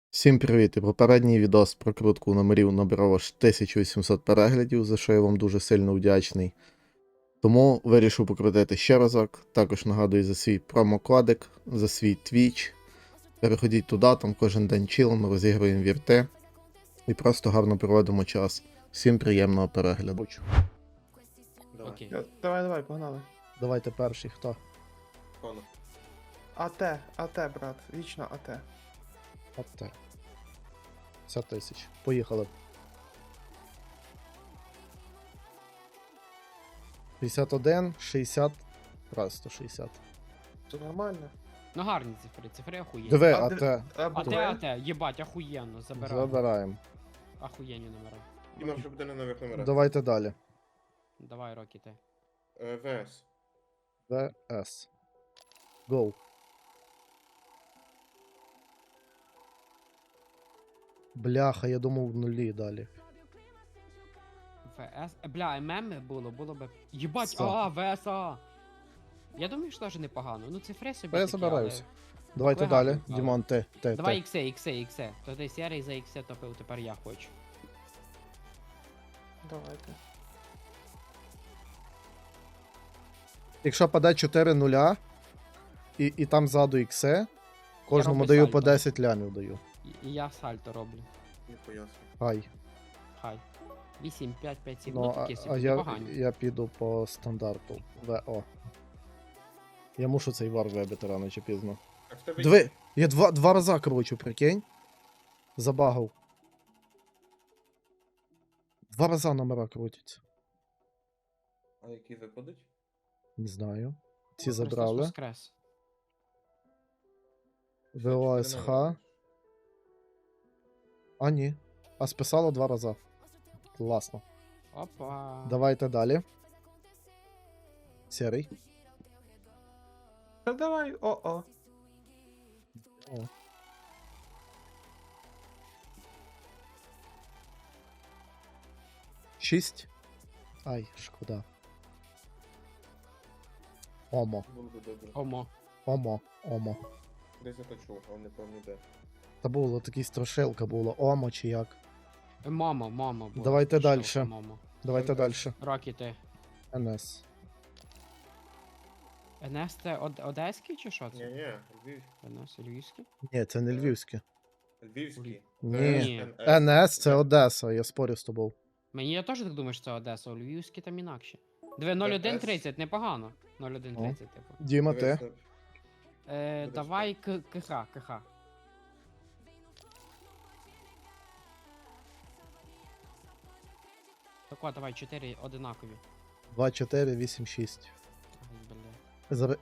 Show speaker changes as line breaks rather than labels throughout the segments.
Всім привіт! І попередній відос про крутку номерів набрав аж 1800 переглядів, за що я вам дуже сильно вдячний. Тому вирішив покрутити ще разок. Також нагадую за свій промокодик, за свій Twitch. Переходіть туди, там кожен день чилимо, розігруємо вірти і просто гарно проводимо час. Всім приємного перегляду.
Давай.
Окей.
Давай, погнали.
Давайте перший, хто?
Конор.
АТ, брат, вічно АТ.
От 50 тисяч. Поїхали. 51, 60, просто 60.
Це нормально.
Ну гарні цифри охуєнні.
Диви,
А,
АТ.
А те, єбать, охуєнно, забираю.
Забираємо.
Охуєнні номера.
Діма вже буде на нових номерах.
Давайте далі.
Давай, Рокі, ти.
ВС.
ВС. Go. Бляха, я думав в нулі далі.
ВС. Бля, ММ було би. Єбать,
Сто.
ВСА. Я думаю, що теж непогано. Ну, цифри собі.
Та я
такі,
забираюся.
але-
Давайте
Букви
далі.
гарні, але-
Дімон, ти.
Давай іксе. То ти серій за іксе топив, тепер я хочу.
Давайте.
Якщо паде 4 нуля, і там ззаду іксе, кожному
роблю
даю
сальто.
по 10 лямів даю.
І я сальто роблю.
Не поясню.
Хай.
Хай. 8, 5, 5, 7.
Ну,
Ну,
а,
такі
а
собі
я,
непогані.
я піду по стандарту. ВО. Я мушу цей вар вибити рано чи пізно.
А в тебе
Диви, я два рази кручу, прикинь. Забагав. 2 рази номера крутяться.
А які випадуть?
Не знаю. Ці
Просто
забрали.
воскрес.
ВОСХ. А ні. А списало 2 рази. Класно.
Опа.
Давайте далі. Серий.
Та давай, о-о.
О. Шість. Ай, шкода. Омо.
Було би добре.
Омо.
Омо.
Десь я то чув, але не пам'ятаю де.
Та було такі страшилка було. Омо чи як.
Мамо було.
Давайте
Що,
дальше.
Мамо.
Давайте далі.
Рокі, ти.
НС.
НС це одеський чи що це?
Ні, Львів.
НС львівський?
Ні, це не львівське.
Львівський.
Ні.
ВС,
НС це Одеса, я спорю з тобою.
Мені я теж так думаю, що це Одеса, а львівський там інакше. 0130, непогано. 0130, типу.
Діма, ти.
Давай КХ. Так, давай, 4 одинакові.
2, 4, 8, 6.
Ай, бля.
Заре...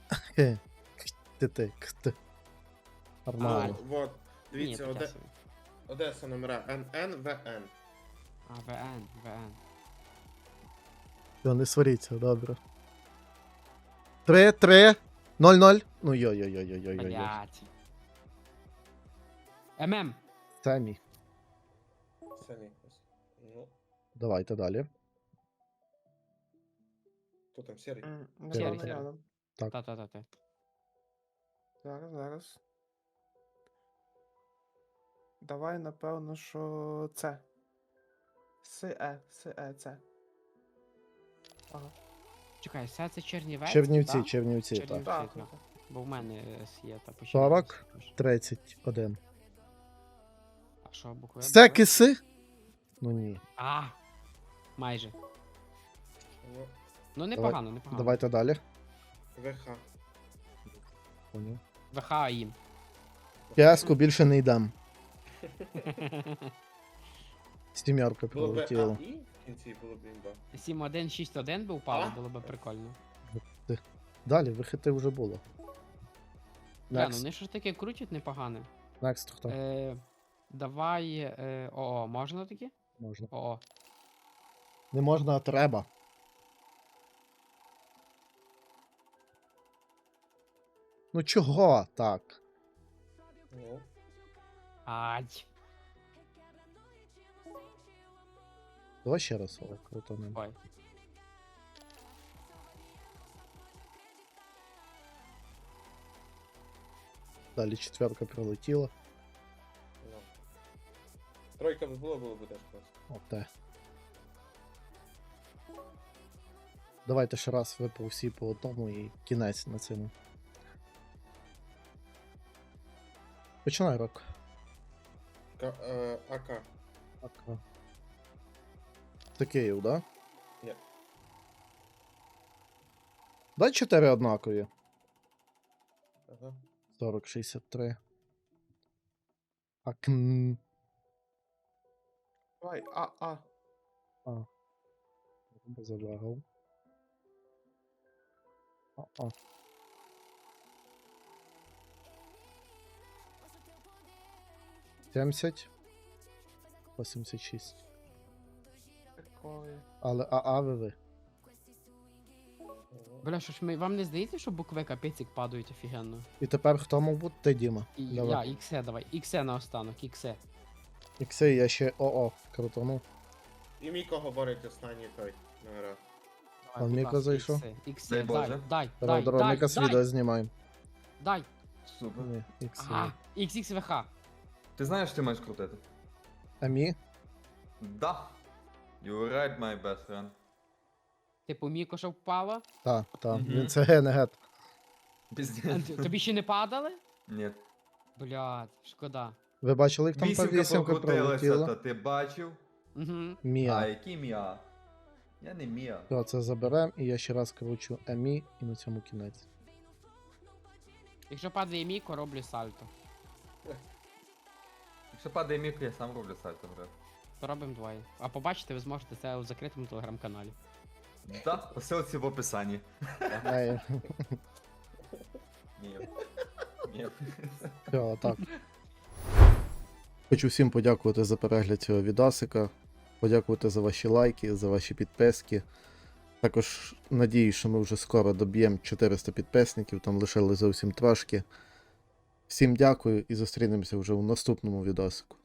Ти. Нормально.
Вот,
Ні,
дивіться,
таке собі.
Одеса номера НН, ВН.
А, ВН.
Все, не сваріться, добре. 3, 0. Ну йой-йой-йой-йой-йой.
Блять. ММ.
Самі.
Самі. Ну,
Давайте далі.
хто там серий?
Не
Сірий,
рядом,
сірий.
рядом.
Так.
Та.
Зараз. Давай, напевно, що це. Це. Ага.
Чекай, це Чернівець?
Чернівці,
так?
Чернівці, так.
Чернівці.
Так,
так. Бо в мене є та по
40.
Чернівці.
31.
А що, букви?
Це киси? Ну ні.
А! Майже.
Ну,
Ну, непогано.
Давайте далі.
ВХ.
Поняв.
ВХ їм.
П'яску більше не йдем. Сім'ярка
Було б
прилетіла.
АІ в кінці було б імба.
7161 би впало,
А?
було б прикольно.
Далі, вихити вже було.
Бля, ну
Next.
вони ж таке крутять непогане.
Next хто?
Давай. ОО, можна таке?
Можна.
ОО.
Не можна, а треба. Ну чого так?
Ну,
Ай.
Давай ще раз крутанем.
Ой.
Далі четверка прилетіла.
Тройка б було б теж просто.
Оте. Давайте ще раз ви по всі по одному і кінець на цьому. Починай, Рок.
АК.
Так. Це Київ, да?
Ні.
Дай 4 однакові.
Ага.
40-63. Акн.
Давай,
А. Залагав. А. 70. 86.
Такої.
Але АА ви.
Бля, що ж ми, вам не здається, що букви капець падають офігенно?
І тепер хто мав бути? Ти, Діма.
І
Давай.
я, іксе давай, іксе на останок, іксе.
Ікси, я ще ОО крутанув.
І Міко говорить останній той номера.
А Міко зайшов?
Іксе,
Дай
дай,
Боже.
дай,
Дорога, Міка з відео знімаємо.
дай.
Супер.
Ні, ікси.
Ага, XXVH.
Ти знаєш, що ти маєш крутити?
Амі?
Да. You right, my best friend.
Типу, Міко, що впало?
Так,
Мгм.
він це генегет.
Піздець.
Тобі ще не падали?
Ні.
Блядь, шкода.
Ви бачили, як там та
Вісімка
вісімка
покрутилася,
пролетіла?
то ти бачив?
Угу.
А,
Міа.
який Міа? Я не Міа.
Все, це заберем, і я ще раз кручу Амі, і на цьому кінець.
Якщо падає Міко, роблю сальто.
Якщо падає Міко, я сам роблю сальто вже.
То робимо двоє. А побачите, ви зможете це у закритому телеграм-каналі.
Да, посилці в описанні.
Ей,
Ні. Ні.
все, так. Хочу всім подякувати за перегляд цього відосика. Подякувати за ваші лайки, за ваші підписки. Також надію, що ми вже скоро доб'ємо 400 підписників, там лишили зовсім трошки. Всім дякую і зустрінемося вже у наступному відосику.